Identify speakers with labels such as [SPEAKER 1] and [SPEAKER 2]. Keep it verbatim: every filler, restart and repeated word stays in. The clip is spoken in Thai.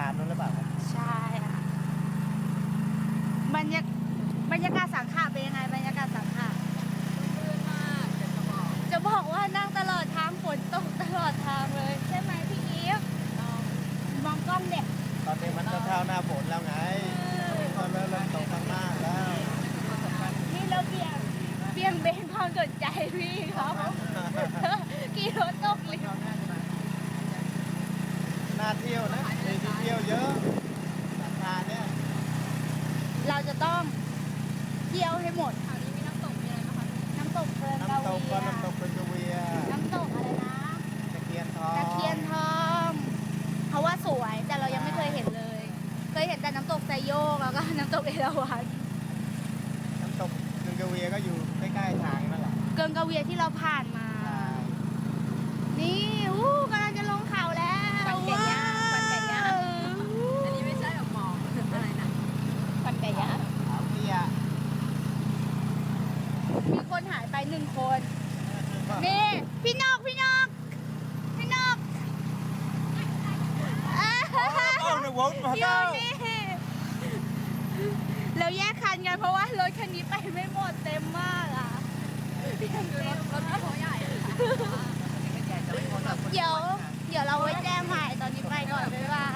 [SPEAKER 1] านนู้นหรือเปล่าครับ
[SPEAKER 2] ใช่ค่ะบรรยากบรรยากาศสังขะเป็นยังไงบรรยากาศสังขะ
[SPEAKER 3] ลื่นมากเดี๋ยวจะบอก
[SPEAKER 2] จะบอกว่านั่งตลอดทางฝนตกตลอดทางเลย ใช่ไหมพี่อีฟมองกล้องเด็ก
[SPEAKER 1] ตอนนี้มันจะเข้าหน้าฝนแล้วไงตอนเริ่มเริ่มตกข้างหน้าแล้ว
[SPEAKER 2] นี่เราเบี่ยงเบี่ยงเบนความสนใจพี่เขากี่รถตกเลย
[SPEAKER 1] น่าเที่ยวนะมีที่เที่ยวเยอะราคาเนี่ย
[SPEAKER 2] เราจะต้องเที่ยวให้หมด
[SPEAKER 3] แถวนี้มีน้ำตกมีอะไรไหมคะ
[SPEAKER 2] น้ำตกเพลินกา
[SPEAKER 1] น้ำตก
[SPEAKER 2] เวี
[SPEAKER 1] ก็
[SPEAKER 2] ย
[SPEAKER 1] น้ำตกเป็นกระเวีย
[SPEAKER 2] น้ำตกอะไรนะ
[SPEAKER 1] ตะเคียนทอง
[SPEAKER 2] ตะเคียนทองเพราะว่าสวยแต่เรายังไม่เคยเห็นเลย เคยเห็นแต่น้ำตกไซโยกแล้วก็น้ำตกเอราวัณ
[SPEAKER 1] น้ำตกเป็นกระเวียก็อยู่ใกล้ๆทางนั่นแหละ
[SPEAKER 2] เกินกาเวียที่เราผ่านมา นี่อู้กำลังจะลงเขาแล้ว
[SPEAKER 3] ปั่นไก่ย่างปั่นไก่ย่าง
[SPEAKER 2] ว้ว
[SPEAKER 3] อันนี้ไม่ใช่แบบหมอกอะไรนะ
[SPEAKER 2] ปั่นไก่ย่าง
[SPEAKER 1] ขาวเตี้ย
[SPEAKER 2] มีคนหายไปหนึ่งคนนี่พี่นกพี่นกพี่นกเอ้ย
[SPEAKER 1] เอาในวงมา
[SPEAKER 2] อยู่
[SPEAKER 1] เต้า
[SPEAKER 2] นี่แล้วแยกคันกันเพราะว่ารถคันนี้ไปไม่หมดเต็มมากอ่ะ
[SPEAKER 3] คือรถรถไม่โถใหญ่อะค่ะ
[SPEAKER 2] เดี๋ยว เดี๋ยวเราไว้แจ้งใหม่ตอนนี้ไปก่อนบ๊ายบาย